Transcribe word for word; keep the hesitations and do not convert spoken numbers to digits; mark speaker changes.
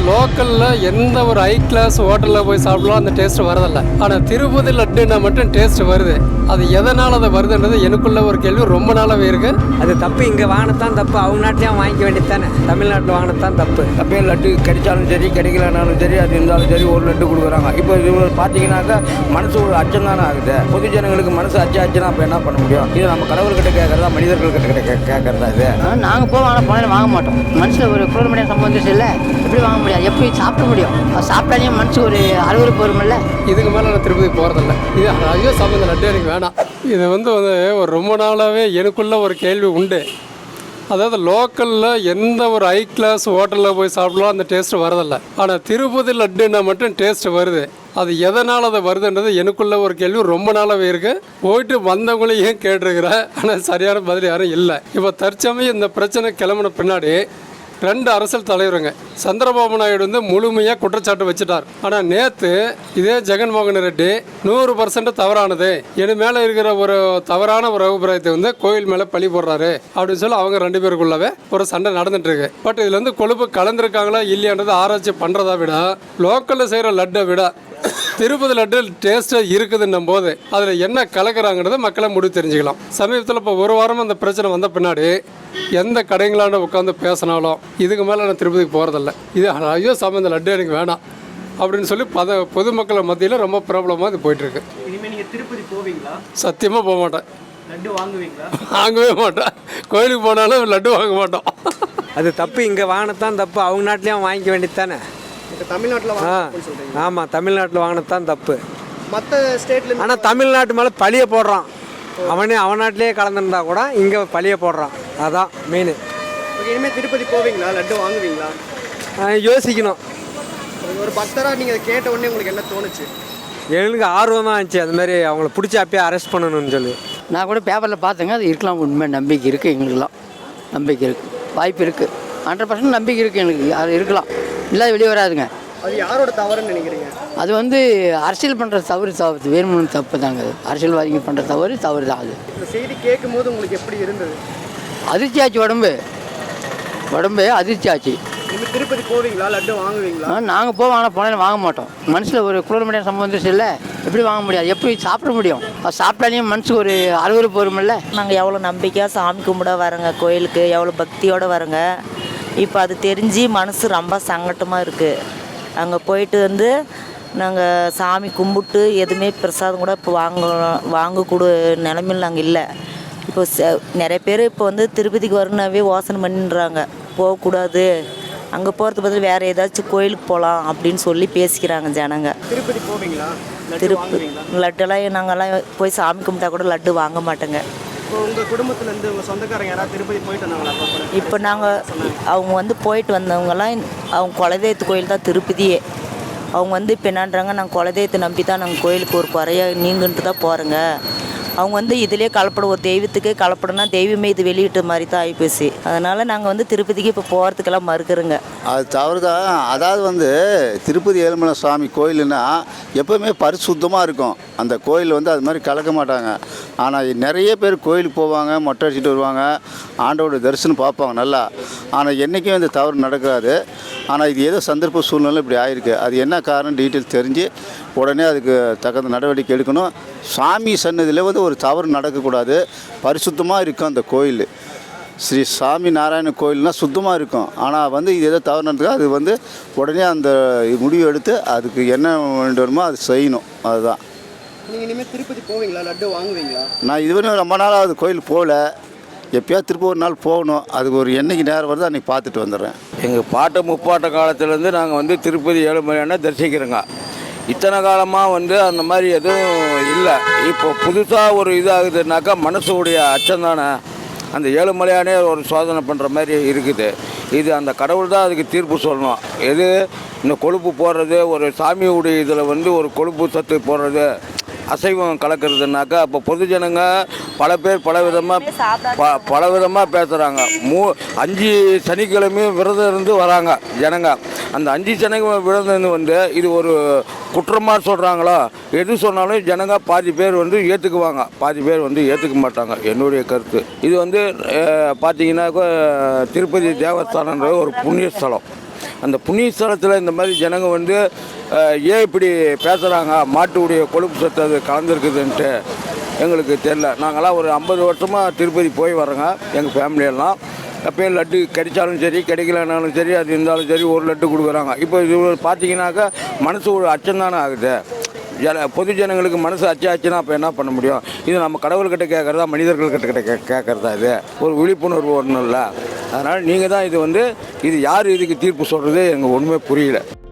Speaker 1: லோக்கலில் எந்த ஒரு ஹை கிளாஸ் ஹோட்டலில் போய் சாப்பிடலாம் அந்த டேஸ்ட் வரதில்லை. ஆனால் திருப்பதி லட்டுன்னா மட்டும் டேஸ்ட் வருது. அது எதனால் அதை வருதுன்றது எனக்குள்ள ஒரு கேள்வி ரொம்ப நாளாகவே இருக்குது.
Speaker 2: அது தப்பு. இங்கே வாங்கினதான் தப்பு. அவங்க நாட்டிலையும் வாங்கிக்க வேண்டியது தானே. தமிழ்நாட்டில் வாங்கினதான் தப்பு.
Speaker 3: அப்படியே லட்டு கிடைச்சாலும் சரி கிடைக்கலனாலும் சரி அது இருந்தாலும் சரி ஒரு லட்டு கொடுக்குறாங்க. இப்போ இது பார்த்தீங்கன்னாக்கா மனசு ஒரு அச்சம் தானே ஆகுது. பொது ஜனங்களுக்கு மனசு அச்சு ஆச்சுன்னா அப்போ என்ன பண்ண முடியும்? இது நம்ம கடவுள்கிட்ட கேட்கறதா மனிதர்கள்கிட்ட கே கேட்கறதா? இது
Speaker 4: நாங்கள் போவோம், ஆனால் போனாலும் வாங்க மாட்டோம். மனசில் ஒரு குளிர்மணியம் சம்பந்தம் இல்லை. எப்படி வாங்க முடியாது? எப்படி சாப்பிட முடியும்? அது சாப்பிட்டாலே மனசு ஒரு அறுவறுப்பு வருமில்ல.
Speaker 1: இதுக்கு மேலே நான் திருப்பதி போகிறதில்ல. இது ஐயோ சம்பந்தம் லட்டு எனக்கு வேணாம். இது வந்து வந்து ஒரு ரொம்ப நாளாகவே எனக்குள்ள ஒரு கேள்வி உண்டு. அதாவது லோக்கலில் எந்த ஒரு ஹை கிளாஸ் ஹோட்டலில் போய் சாப்பிடலாம் அந்த டேஸ்ட்டு வரதில்லை. ஆனால் திருப்பதி லட்டுன்னா மட்டும் டேஸ்ட் வருது. அது எதனால் அதை வருதுன்றது எனக்குள்ள ஒரு கேள்வி ரொம்ப நாளாகவே இருக்குது. போயிட்டு வந்தவங்களையும் கேட்டிருக்கிறேன், ஆனால் சரியான பதில் யாரும் இல்லை. இப்போ தற்சமயம் இந்த பிரச்சனை கிளம்பின பின்னாடி ரெண்டு அரசியல் தலைவருங்க சந்திரபாபு நாயுடு வந்து முழுமையாக குற்றச்சாட்டு வச்சுட்டார். ஆனால் நேற்று இதே ஜெகன்மோகன் ரெட்டி நூறு பர்சன்ட் தவறானது, என் மேலே இருக்கிற ஒரு தவறான ஒரு அபிப்பிராயத்தை வந்து கோயில் மேலே பழி போடுறாரு அப்படின்னு சொல்லி அவங்க ரெண்டு பேருக்குள்ளவே ஒரு சண்டை நடந்துட்டு இருக்கு. பட் இதில் வந்து கொழுப்பு கலந்துருக்காங்களா இல்லையான்றது ஆராய்ச்சி பண்ணுறதை விட லோக்கலில் செய்கிற லட்டை விட திருப்பதி லட்டு டேஸ்ட்டாக இருக்குதுன்னும் போது அதில் என்ன கலக்கிறாங்கிறத மக்களை முடிவு தெரிஞ்சுக்கலாம். சமீபத்தில் இப்போ ஒரு வாரம் அந்த பிரச்சனை வந்த பின்னாடி எந்த கடைங்களாண்ட உட்காந்து பேசினாலும் இதுக்கு மேலே நான் திருப்பதிக்கு போகிறதில்ல, இது ஐயோ சம்பந்த லட்டு எனக்கு வேணாம் அப்படின்னு சொல்லி பத பொதுமக்கள் மத்தியில் ரொம்ப ப்ராப்ளமாக இது போயிட்டுருக்கு.
Speaker 5: இனிமேல் நீங்கள் திருப்பதி போவீங்களா?
Speaker 1: சத்தியமாக போக மாட்டேன்.
Speaker 5: லட்டு வாங்குவீங்களா?
Speaker 1: வாங்கவே மாட்டேன். கோயிலுக்கு போனாலும் லட்டு வாங்க மாட்டோம்.
Speaker 2: அது தப்பு. இங்கே வாங்கினதான் தப்பு. அவங்க நாட்டிலையும் வாங்கிக்க வேண்டியது தானே.
Speaker 5: இப்போ தமிழ்நாட்டில்
Speaker 2: ஆ ஆமாம், தமிழ்நாட்டில் வாங்கினதான் தப்பு.
Speaker 5: மற்ற ஸ்டேட்ல
Speaker 2: ஆனால் தமிழ்நாட்டு மேலே பழிய போடுறான். அவனே அவன் நாட்டிலேயே கலந்துருந்தா கூட இங்கே பழிய போடுறான். அதான் மெயின்.
Speaker 5: இனிமேல் திருப்பதி போவீங்களா? லட்டு வாங்குவீங்களா?
Speaker 2: யோசிக்கணும்.
Speaker 5: ஒரு பக்தராக நீங்கள் அதை கேட்ட உடனே உங்களுக்கு என்ன தோணுச்சு?
Speaker 2: எங்களுக்கு ஆர்வம் தான் இருந்துச்சு. அது மாதிரி அவங்கள பிடிச்சி அப்பயே அரெஸ்ட் பண்ணணும்னு சொல்லி.
Speaker 4: நான் கூட பேப்பரில் பார்த்தேங்க. அது இருக்கலாம். உண்மை நம்பிக்கை இருக்குது. எங்களுக்கெல்லாம் நம்பிக்கை இருக்குது. வாய்ப்பு இருக்குது. ஹண்ட்ரட் பர்சன்ட் நம்பிக்கை இருக்குது எங்களுக்கு. அது இருக்கலாம். இல்லாத வெளியே வராதுங்க.
Speaker 5: அது யாரோட தவறுன்னு நினைக்கிறீங்க?
Speaker 4: அது வந்து அரசியல் பண்ணுற தவறு தவறு வேணும்னு தப்பு தாங்க. அது அரசியல்வாதிங்க பண்ணுற தவறு தவறு தான். அது
Speaker 5: இந்த செய்தி கேட்கும் போது உங்களுக்கு எப்படி இருந்தது?
Speaker 4: அதிர்ச்சி ஆச்சு. உடம்பு உடம்பு அதிர்ச்சி ஆச்சு.
Speaker 5: நீங்கள் திருப்பதி போவீங்களா? லட்டு வாங்குவீங்களா?
Speaker 4: நாங்கள் போவோம், ஆனால் போனாலும் வாங்க மாட்டோம். மனசில் ஒரு குளிர்மணியம் சம்பந்தம் இல்லை. எப்படி வாங்க முடியாது? எப்படி சாப்பிட முடியும்? அது சாப்பிட்டாலே மனசு ஒரு அறுவறுப்பு வருமில்ல.
Speaker 6: நாங்கள் எவ்வளோ நம்பிக்கையாக சாமி கும்பிட வரோங்க, கோயிலுக்கு எவ்வளோ பக்தியோடு வரோங்க. இப்போ அது தெரிஞ்சு மனசு ரொம்ப சங்கட்டமாக இருக்குது. அங்கே போயிட்டு வந்து நாங்கள் சாமி கும்பிட்டு எதுவுமே பிரசாதம் கூட இப்போ வாங்க வாங்கக்கூட நிலைமையில் நாங்கள் இல்லை. இப்போ நிறைய பேர் இப்போ வந்து திருப்பதிக்கு வரணுன்னாவே யோசனை பண்ணின்றாங்க, போகக்கூடாது, அங்கே போகிறது பதில் வேறு ஏதாச்சும் கோயிலுக்கு போகலாம் அப்படின்னு சொல்லி பேசிக்கிறாங்க ஜனங்க.
Speaker 5: திருப்பதி போவீங்களா?
Speaker 6: திருப்பதி லட்டுலாம் நாங்கள்லாம் போய் சாமி கும்பிட்டா கூட லட்டு வாங்க மாட்டேங்க.
Speaker 5: இப்போ உங்கள் குடும்பத்துலேருந்து உங்கள் சொந்தக்காரங்க யாராவது திருப்பதி போயிட்டு வந்தாங்களா?
Speaker 6: இப்போ நாங்கள் அவங்க வந்து போயிட்டு வந்தவங்கலாம் அவங்க குலதெய்வத்து கோயில் தான் திருப்பதியே. அவங்க வந்து இப்போ என்னன்றாங்க, நாங்கள் குலதெய்வத்தை நம்பி தான் நாங்கள் கோயிலுக்கு ஒரு குறைய நீங்கன்ட்டு தான் போகிறோங்க. அவங்க வந்து இதிலே கலப்படம், ஒரு தெய்வத்துக்கே கலப்படம்னா தெய்வமே இது வெளியிட்ட மாதிரி தான் ஆகிப்போச்சு. அதனால் நாங்கள் வந்து திருப்பதிக்கு இப்போ போகிறதுக்கெல்லாம் மறுக்கிறோங்க.
Speaker 7: அது தவறு தான். அதாவது வந்து திருப்பதி ஏழுமலை சுவாமி கோயிலுன்னா எப்போவுமே பரிசுத்தமாக இருக்கும். அந்த கோயில் வந்து அது மாதிரி கலக்க மாட்டாங்க. ஆனால் நிறைய பேர் கோயிலுக்கு போவாங்க, மொட்டை அடிச்சுட்டு வருவாங்க, ஆண்டோட தரிசனம் பார்ப்பாங்க நல்லா. ஆனால் என்றைக்கும் இந்த தவறு நடக்காது. ஆனால் இது ஏதோ சந்தர்ப்ப சூழ்நிலை இப்படி ஆகிருக்கு. அது என்ன காரணம் டீட்டெயில் தெரிஞ்சு உடனே அதுக்கு தகுந்த நடவடிக்கை எடுக்கணும். சாமி சன்னதியில் வந்து ஒரு தவறு நடக்கக்கூடாது. பரிசுத்தமாக இருக்கும் அந்த கோயில். ஸ்ரீ சாமி நாராயண கோயில்னால் சுத்தமாக இருக்கும். ஆனால் வந்து இது ஏதோ தவறு நடந்துக்கா அது வந்து உடனே அந்த முடிவு எடுத்து அதுக்கு என்ன வேண்டுமோ அது செய்யணும். அதுதான்.
Speaker 5: நீங்கள் இனிமேல் திருப்பதி போவீங்களா? லட்டு வாங்குவீங்களா?
Speaker 7: நான் இதுவரையும் ரொம்ப நாளாக அது கோயில் போகல. எப்போயாவது திருப்பி ஒரு நாள் போகணும். அதுக்கு ஒரு என்னைக்கு நேரம் வருது அன்றைக்கி பார்த்துட்டு வந்துடுறேன்.
Speaker 3: எங்கள் பாட்ட முப்பாட்ட காலத்துலேருந்து நாங்கள் வந்து திருப்பதி ஏழுமலையான தரிசிக்கிறோங்க. இத்தனை காலமாக வந்து அந்த மாதிரி எதுவும் இல்லை. இப்போ புதுசாக ஒரு இதாகுதுனாக்கா மனசுடைய அச்சம் தானே. அந்த ஏழுமலையானே ஒரு சோதனை பண்ணுற மாதிரி இருக்குது. இது அந்த கடவுள் தான் அதுக்கு தீர்ப்பு சொல்லணும். எது இந்த கொழுப்பு போடுறது, ஒரு சாமியுடைய இதில் வந்து ஒரு கொழுப்பு சத்து போடுறது, அசைவம் கலக்கிறதுனாக்கா அப்போ பொது ஜனங்க பல பேர் பல விதமாக ப பல விதமாக பேசுகிறாங்க. மூ அஞ்சு சனிக்கிழமையும் விரதம் இருந்து வராங்க ஜனங்க. அந்த அஞ்சு சனிக்கிழமை விரதம் இருந்து வந்து இது ஒரு குற்றமாக சொல்கிறாங்களோ, எது சொன்னாலும் ஜனங்க பாதி பேர் வந்து ஏற்றுக்குவாங்க, பாதி பேர் வந்து ஏற்றுக்க மாட்டாங்க. என்னுடைய கருத்து இது வந்து பார்த்திங்கன்னாக்கா திருப்பதி தேவஸ்தானன்றது ஒரு புண்ணிய ஸ்தலம். அந்த புண்ணிய ஸ்தலத்தில் இந்த மாதிரி ஜனங்க வந்து அஹ், ஏன் இப்படி பேசுகிறாங்க, மாட்டுடைய கொழுப்பு சத்து அது கலந்துருக்குதுன்ட்டு எங்களுக்கு தெரில. நாங்களாம் ஒரு ஐம்பது வருஷமாக திருப்பதி போய் வரோங்க எங்கள் ஃபேமிலியெல்லாம். அப்போ லட்டு கிடைச்சாலும் சரி கிடைக்கலனாலும் சரி அது இருந்தாலும் சரி ஒரு லட்டு கொடுக்குறாங்க. இப்போ இது பார்த்தீங்கன்னாக்கா மனசு ஒரு அச்சம் தானே ஆகுது. ஜன பொது ஜனங்களுக்கு மனசு அச்சாச்சுன்னா அப்போ என்ன பண்ண முடியும்? இது நம்ம கடவுள்கிட்ட கேட்குறதா மனிதர்கள்கிட்ட கிட்ட கே கேட்குறதா? இது ஒரு விழிப்புணர்வு ஒன்றும் இல்லை. அதனால் நீங்கள் தான் இது வந்து இது யார் இதுக்கு தீர்ப்பு சொல்கிறது எனக்கு ஒன்றுமே புரியல.